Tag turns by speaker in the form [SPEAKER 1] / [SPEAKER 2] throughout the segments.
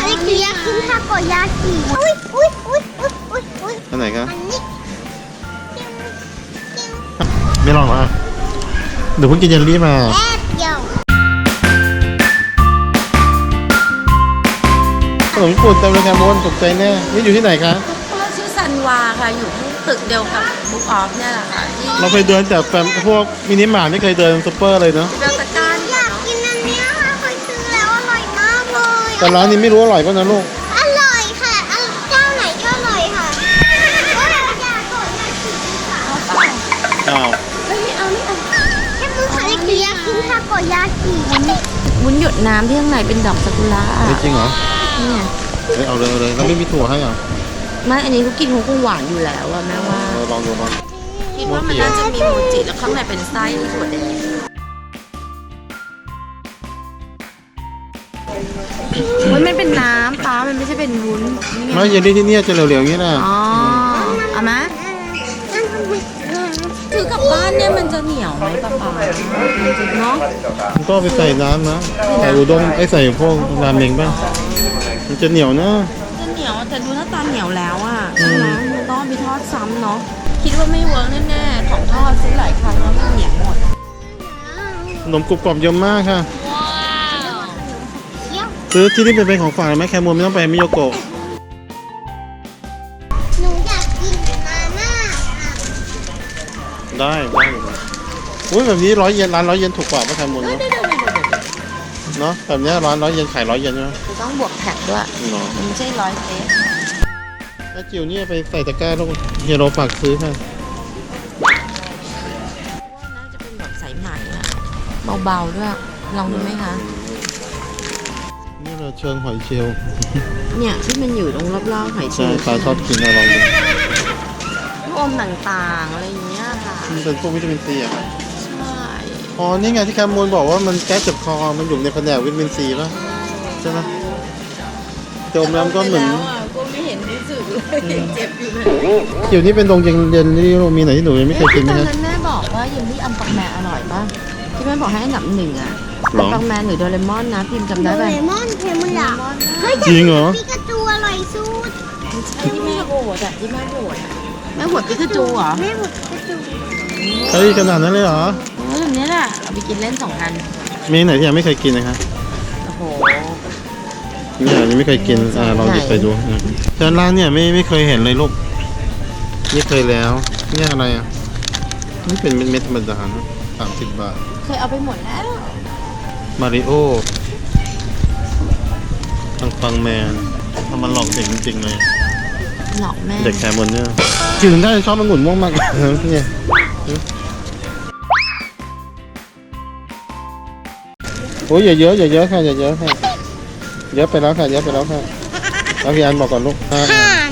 [SPEAKER 1] เล็กเรียกขึ้นทาโกยากิอุ้ย
[SPEAKER 2] อันไหนครับ
[SPEAKER 1] อันนี้
[SPEAKER 2] ไม่ลองเหรอเดี๋ยวเพิ่งกินเยลลี่มา
[SPEAKER 1] แอบเดียว
[SPEAKER 2] ขนมญี่ปุ่นเต็มเลยครับมนตกใจแน่นี่อยู่ที่ไหนคะ
[SPEAKER 3] ชื่อซันวาค่ะอยู่ที่ตึกเดียวกับบุ๊กออฟเนี่ยแหละค่ะที่
[SPEAKER 2] เราเคยเดินแต่พวกมินิมาร์ทไม่เคยเดินซุปเปอร์เลยเนาะ
[SPEAKER 3] เบลตะการ
[SPEAKER 1] อยากกินอันนี้ค่ะเคยซื้อแล้วอร่อยมากเลย
[SPEAKER 2] แต่ร้านนี้ไม่รู้อร่อยป่ะนะลูก
[SPEAKER 1] อร่อยค่ะเจ้าไหนก็อร่อยค่ะอยากกดยากิค่ะ
[SPEAKER 2] อ้าว
[SPEAKER 1] ไม่เอาแค่มือขาเล็กเรียกขึ้นทาโกยากิ
[SPEAKER 3] วุ้นหยดน้ำที่ข้างในเป็นดอกซากุระ
[SPEAKER 2] จริงเหรอ
[SPEAKER 3] นี่ไง
[SPEAKER 2] เอาเลยแล้วไม่มีถั่วให้เหรอ
[SPEAKER 3] ไม่อันนี้เขากินเขาคงหวานอยู่แล้วอะแม่ว่า
[SPEAKER 2] ลองดูลอง
[SPEAKER 3] คิดว่ามันน่าจะมีโมจิแล้วข้างในเป็นไส้ถั่วแดงมันเป็นน้ำป้ามันไม่ใช่เป็นวุ้น
[SPEAKER 2] ไม่เยลลี่ที่นี่จะเหลวๆอย่างนี้นะ
[SPEAKER 3] อ๋อเอาไหมถือกลับบ้านเนี่ยมันจะเหนียวไหมป้าเนาะ
[SPEAKER 2] ก็ไปใส่น้ำนะใส่อุด้งใส่พวกราเมงบ้างมันจะเหนียวนะ
[SPEAKER 3] จะเหนียวแต่ดูหน้าตาเหนียวแล้วอ่ะมันต้องไปทอดซ้ำเนาะคิดว่าไม่เวิร์กแน่ๆของทอดซื้อหลายครั้งแล้วมันเหนียวหมด
[SPEAKER 2] ขนมกรุบกรอบเยอะมากค่ะซื้อที่นี่เป็นของฝากไหมแคมูนไม่ต้องไปมิโยโกะ
[SPEAKER 1] หนูอยากกินมาม่า
[SPEAKER 2] ได้อุ้ยแบบนี้100 เยนร้าน100 เยนถูกกว่าป่ะแคมูนเนาะแบบนี้ร้าน100 เยนขาย100 เยนใช่ไหม
[SPEAKER 3] ต้องบวกแท็กด้วยมันไม่ใช่100 เซต
[SPEAKER 2] ถ้าจิ๋วนี่ไปใส่ตะกร้าลูกเฮียโรฝากซื้อค่ะ
[SPEAKER 3] ว่าน่าจะเป็นแบบใสใหม่อะเบาๆด้วยลองดูไหมคะ
[SPEAKER 2] นี่เราเชิงหอยเชลล์
[SPEAKER 3] เนี่ยที่มันอยู่ตรงรอบๆหอยเชลล์
[SPEAKER 2] ปลาชอบกินเราลองดู
[SPEAKER 3] ลูกอมต่างๆอะไรอย่างเงี้ยค่ะ
[SPEAKER 2] มันเป็นพวกวิตามินซีอะค่ะ
[SPEAKER 3] ใช่
[SPEAKER 2] อ๋อนี่ไงที่แคมูนบอกว่ามันแก้เจ็บคอมันอยู่ในแผนกวิตามินซีป่ะใช่ไหมจมน้ำก็เหมือน
[SPEAKER 3] ก็ไม่เห็นรู้สึกเลยเจ็บอยู่เลย
[SPEAKER 2] เดี๋ยวนี้เป็นตรงเย็นที่มีไหนที่หนูยังไม่เคยกินไหม
[SPEAKER 3] ตอนนั้นแม่บอกว่าเยลลี่อัมปักแมนอร่อยป่ะที่แม่บอกให้อันดับ1อ่ะอัมปักแมนหรือโดเรมอนนะพิมพ์จำได้ป่ะ
[SPEAKER 1] โดเรมอนเพมุระ
[SPEAKER 2] จริงเหรอ
[SPEAKER 1] ปิกาจูอร่อยสุด
[SPEAKER 3] ที่แม่โหวตอ่ะที่แม่โหวตแม่โหวตปิกาจูเหรอ
[SPEAKER 1] แม่โหวตปิกาจู
[SPEAKER 2] เฮ้ยขนาดนั้นเลยเหรอ
[SPEAKER 3] แบบนี้แหละเอาไปกินเล่น2 อัน
[SPEAKER 2] มีไหนที่ยังไม่เคยกินนะคะ
[SPEAKER 3] โอ้โห
[SPEAKER 2] นี่ยังไม่เคยกินลองหยิบไปดูแต่ร้านเนี่ยไม่เคยเห็นเลยลูกนี่เคยแล้วนี่อะไรอ่ะนี่เป็นเม็ดธรรมดานะ30 บาท
[SPEAKER 3] เคยเอาไปหมดแล้ว
[SPEAKER 2] มาริโอฟังแมนทำมันหลอกเด็กจริงๆเลย
[SPEAKER 3] หลอกแม่
[SPEAKER 2] เด็กแคมอนเนี่ยจืดได้ชอบองุ่นม่วงมากเนี่ยโอ้ยอย่าเยอะค่ะอย่าเยอะค่ะเยอะไปแล้วค่ะแล้วพี่อันบอกก่อนลูกโอ้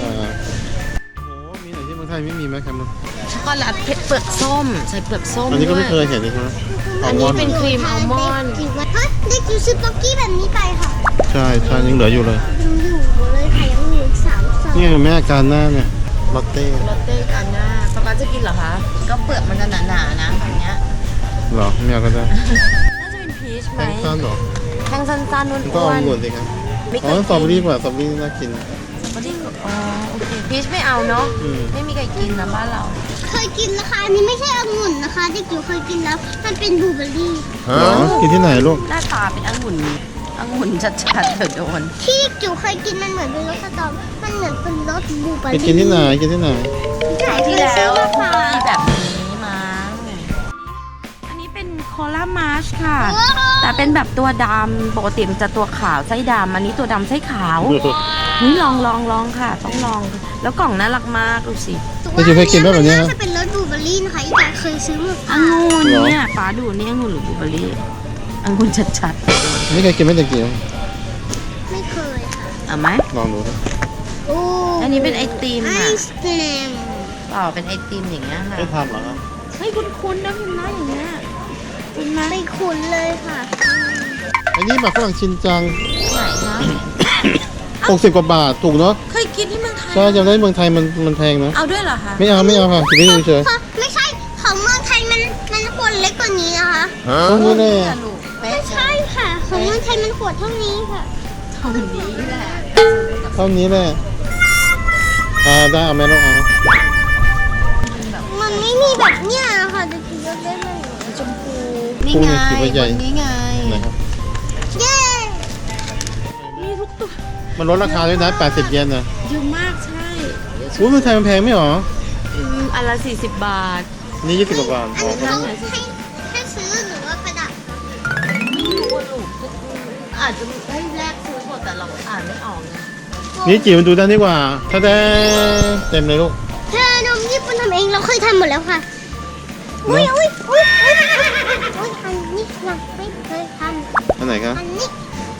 [SPEAKER 2] มีไหนที่เมืองไทยไม่มีไหมครับ
[SPEAKER 3] ช็อกโกแลตเปลือกส้มใส่เปลือกส้ม
[SPEAKER 2] อันนี้ก็ไม่เคยเห็นเลยใช่ไหม
[SPEAKER 3] อันนี้เป็นครีมอัลมอนด์
[SPEAKER 1] เด็กจิ๋วซื้อป๊อกกี้แบบนี้ไปค่ะ
[SPEAKER 2] ใช่ยังเหลืออยู่เลย
[SPEAKER 1] เลยค่ะยังเหลือ3 ซอง
[SPEAKER 2] นี่แม่การหน้าเนี่ยลอตเต้
[SPEAKER 3] การหน้าป๊าจะกินเหรอคะก็เปลือกมันจะหนาๆนะแบบนี้
[SPEAKER 2] หรอไม่อยากก็ได้
[SPEAKER 3] น่าจะเป็นพีชไหม
[SPEAKER 2] แท่งสั้นหรอ
[SPEAKER 3] แท่งสั้นๆนุ่นๆ
[SPEAKER 2] ก็เอาหมดสิครับอ๋อสตรอเบอรี่กว่าสตรอเบอรี่น่ากิน
[SPEAKER 3] สตรอเบอรี่อ๋อโอเคพีชไม่เอาเนาะไม่มีใครกินนะบ้านเรา
[SPEAKER 1] เคยกินนะคะอันนี้ไม่ใช่องุ่นนะคะเด็กจิ๋วเคยกินแล้วมันเป็นบลูเบอร์รี่
[SPEAKER 2] กินที่ไหนลูก
[SPEAKER 3] หน้าตาเป็นองุ่นชัดๆเถิดโดน
[SPEAKER 1] ที่จิ๋วเคยกินมันเหมือนเป็นรสสตรอมันเหมือนเป็นรสบลูเบอร์รี่
[SPEAKER 2] กินที่ไหน
[SPEAKER 3] ที่แล้วมีแบบนี้มาอันนี้เป็นโคลามาชค่ะแต่เป็นแบบตัวดำปกติมันจะตัวขาวไส้ดำอันนี้ตัวดำไส้ขาวนี่ลองค่ะต้องลองแล้วกล่องน่ารักมากดูสิ
[SPEAKER 2] แต่จิ๋วเคยกินแบบนี้
[SPEAKER 1] จะเป็นรสบลูเบอร์รี่นะคะแต่เคยซื้อมา
[SPEAKER 3] องุ่นเนี่ยป้าดูนี่องุ่นหรือบลูเบอร์รี่องุ่นชัด
[SPEAKER 2] ๆไม่เคยกินไม่แต่จิ๋ว
[SPEAKER 1] ไม่เคยค่ะ
[SPEAKER 3] เอาไหม
[SPEAKER 2] ลองดูนะ
[SPEAKER 3] อันนี้เป็นไอติม
[SPEAKER 1] ไอศกรีม
[SPEAKER 3] ต่อเป็นไอติมอย่างเงี้ยค่ะ
[SPEAKER 2] ไม่ทำหรอครับ
[SPEAKER 3] ให้คุ้นๆนะพิมพ์นะอย่างเงี้ยคุ้นไหม
[SPEAKER 1] ไม่คุ้นเลยค่ะ
[SPEAKER 2] อันนี้หมากฝรั่งชินจัง
[SPEAKER 3] ไหนคะ
[SPEAKER 2] 60 กว่าบาทถูกเนาะ
[SPEAKER 3] เคยกินที่เมืองไทย
[SPEAKER 2] ใช่จำได้เมืองไทยมันแพงนะ
[SPEAKER 3] เอาด้วยเหรอคะ
[SPEAKER 2] ไม่เอาค่ะกินได้เฉย
[SPEAKER 1] ไม่ใช่ของเมืองไทยมันขวดเล็กกว่านี้นะคะ
[SPEAKER 2] นี่แน่
[SPEAKER 1] ไม่ใช่ค่ะของเมืองไทยมันขวดเท่านี้ค่ะ
[SPEAKER 3] เท่านี้แหละ
[SPEAKER 2] เท่านี้แหละได้เอาไหมลูกเอา
[SPEAKER 1] มันไม่มีแบบเนี้ยค่ะจะกินเยอะได้ไหม
[SPEAKER 3] ชมพูนี่ไงคนนี้ไง
[SPEAKER 2] นะครับ
[SPEAKER 1] เย้
[SPEAKER 3] มีทุกตัว
[SPEAKER 2] มันลดราคาด้วยนะ80 เยนนะ
[SPEAKER 3] เยอะมากใช่
[SPEAKER 2] อุ้ยมันไทยมันแพงไม่หรอ
[SPEAKER 3] อันละ40 บาท
[SPEAKER 2] นี่20 กว่าบาท
[SPEAKER 1] อันนี้เขาให้ซื้อหรือว่าประดับ
[SPEAKER 3] อาจจะให้แลกซื้อหมดแต่เราอ่านไม่ออกนะ
[SPEAKER 2] นี่จิ๋วมันดูได้ดีกว่าถ้าได้เต็มเลยลูก
[SPEAKER 1] เธอนมญี่ปุ่นทำเองเราเคยทำหมดแล้วค่ะอุ้ยอุ้ยอุ้ยอุ้ยอุ้ยอันนี้เราไม่เคยทำ
[SPEAKER 2] อันไหนครับ
[SPEAKER 1] อันนี้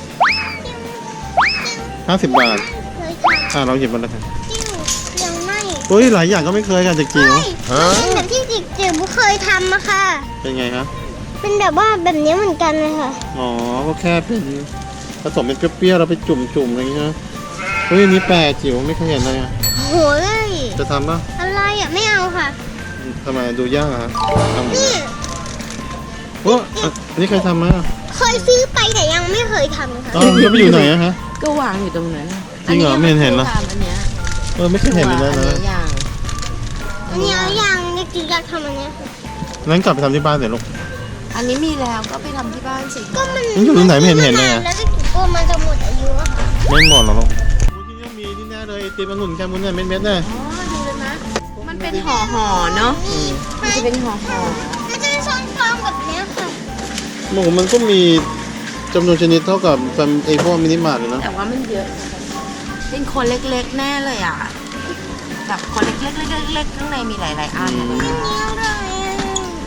[SPEAKER 2] 50 บาท
[SPEAKER 1] เคยทำ
[SPEAKER 2] เราหยิบมาแล้วค่ะ
[SPEAKER 1] จิ้วยังไม่
[SPEAKER 2] อุ้ยหลายอย่างก็ไม่เคยค่ะจากจิ๋ว
[SPEAKER 1] เป็นแบบที่จิ๋วเคยทำอะค่ะ
[SPEAKER 2] เป็นไงครับ
[SPEAKER 1] เป็นแบบว่าแบบนี้เหมือนกันเลยค่ะ
[SPEAKER 2] อ๋อก็แค่เป็นผสมเป็นเปรี้ยวๆเราไปจุ่มๆอะไรอย่างเงี้ยนะอุ้ยอันนี้แปลกจิ๋วไม่เคยเห็นเลยอะ
[SPEAKER 1] โหเลย
[SPEAKER 2] จะทำป่ะ
[SPEAKER 1] อะไรอะไม่เอาค่ะ
[SPEAKER 2] ทำไมดูยากอะฮะทำ
[SPEAKER 1] นี่
[SPEAKER 2] โอ้อันนี้เคยทำไหมอะ
[SPEAKER 1] เคยซื้อไปแต่ยังไม่เคยทำค่ะ
[SPEAKER 2] อ๋อแล้วไปอยู่ไหนอะฮะ
[SPEAKER 3] ก็วางอยู่ตรงนั้น
[SPEAKER 2] จริงเหรอไม่เห็นเหรอ
[SPEAKER 3] อันเนี้ย
[SPEAKER 2] ไม่เคยเห็นเลยนะ
[SPEAKER 3] อันนี้อย่าง
[SPEAKER 1] อันนี้เอายังเด็กจิ๋วอยากทำอันเนี้ยค่ะ
[SPEAKER 2] นั้นกลับไปทำที่บ้านเดี๋ยวลูก
[SPEAKER 3] อันนี้มีแล้วก็ไปทำที่บ้านสิ
[SPEAKER 1] ก็มัน
[SPEAKER 2] มันอยู่ตรงไหนไม่เห็นเลยอะ
[SPEAKER 1] แล้วเด็กจิ๋วกลัวมันจะหมดอายุอะค่ะ
[SPEAKER 2] ไม่หมดหรอกลูกที่นี่มีที่แน่เลยไอติมองุ่นแคมุนเนี่ยเม็ดๆเนี่ย
[SPEAKER 3] อ๋อดูเลยนะมันเป็นห่อๆเนาะ
[SPEAKER 1] นี่
[SPEAKER 3] มันจะเป็นห่อ
[SPEAKER 1] มันจะเป็นซองฟองแบบเนี้ยค่ะ
[SPEAKER 2] หมูมันก็มีจำนวนชนิดเท่ากับไอพวกมินิมาร์ทเลย
[SPEAKER 3] ๆ
[SPEAKER 2] นะ
[SPEAKER 3] แต่ว่ามันเยอะ เป็นคนเล็กๆแน่เลยอ่ะแบบคนเล็กๆเล็กๆข้างในมีหลายๆอันอะ
[SPEAKER 1] อันนี้อะไรอะ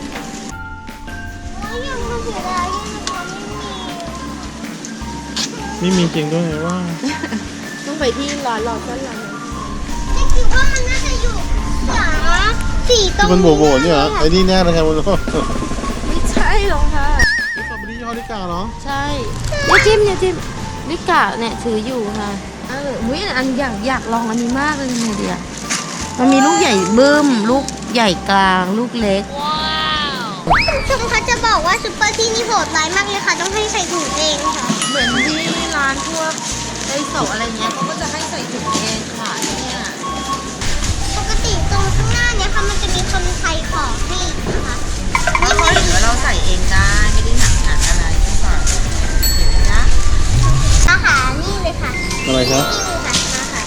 [SPEAKER 1] โอ้ยยังมาเสียดายที่นะคะไม่มี
[SPEAKER 2] ไม่มีจริงด้วยว่า
[SPEAKER 3] ต้องไปที่ร้านรอก็ร้าน
[SPEAKER 1] เด็กจิ๋วว่ามันน่าจะอยู่ขวาสี่ตร
[SPEAKER 2] ที่
[SPEAKER 1] ง
[SPEAKER 2] มันโบว์ๆเนี่ยเหรอไอ้นี่แน่เลยแคมุน
[SPEAKER 3] ไม่ใช่หรอกค่ะ
[SPEAKER 2] สตรอเบอรี่ยี่ห้อลิกาเหรอ
[SPEAKER 3] ใช่อย่าจิ้มนิกะเนี่ยถืออยู่ค่ะอุ้ยอันอยากลองอันนี้มากเลยทำไงดีอ่ะมันมีลูกใหญ่บึ้ม ลูกใหญ่กลาง ลูกเล็ก
[SPEAKER 1] ชมเขาจะบอกว่าซุปเปอร์ที่นี่โหดร้ายมากเลยค่ะ ต้องให้ใส่ถุงเองค่ะ
[SPEAKER 3] เหมือนที่ร้านพวกไดโซะอะไรเงี้ยเขาก็จะให้ใส่ถุงเองค่ะเนี่ย
[SPEAKER 1] ปกติตรงข้างหน้าเนี่ยค่ะมันจะมีคนใส่ของให้นะคะ
[SPEAKER 3] ถ้าเขาเห็นว่าเราใส่เองได้ไม่ได้หนักอะไรก็ใส่เห็นไหมจ๊ะ
[SPEAKER 1] อาหารนี่เลยค่ะ
[SPEAKER 2] อะไรครับ
[SPEAKER 1] นี่เลยค่ะมาค่ะ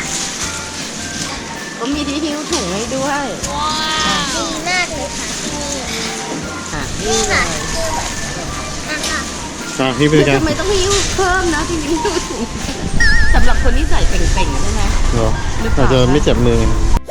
[SPEAKER 3] ก็มีที่หิ้วถุงให้ด้วย
[SPEAKER 1] ดีมากเลยค่ะนี่
[SPEAKER 3] อ่ะ
[SPEAKER 1] นี่
[SPEAKER 3] นี่เล
[SPEAKER 1] ค่ะ
[SPEAKER 3] ย
[SPEAKER 1] คือแบบอ่ะค่ะ
[SPEAKER 2] พี่เป็นไง
[SPEAKER 3] ทำไมต้องหิ้วเพิ่มนะที่หิ้วถุงสำหรับคนที่ใส่เป่งๆใช่ไหม
[SPEAKER 2] เหรออาจจะไม่เจ็บมือไง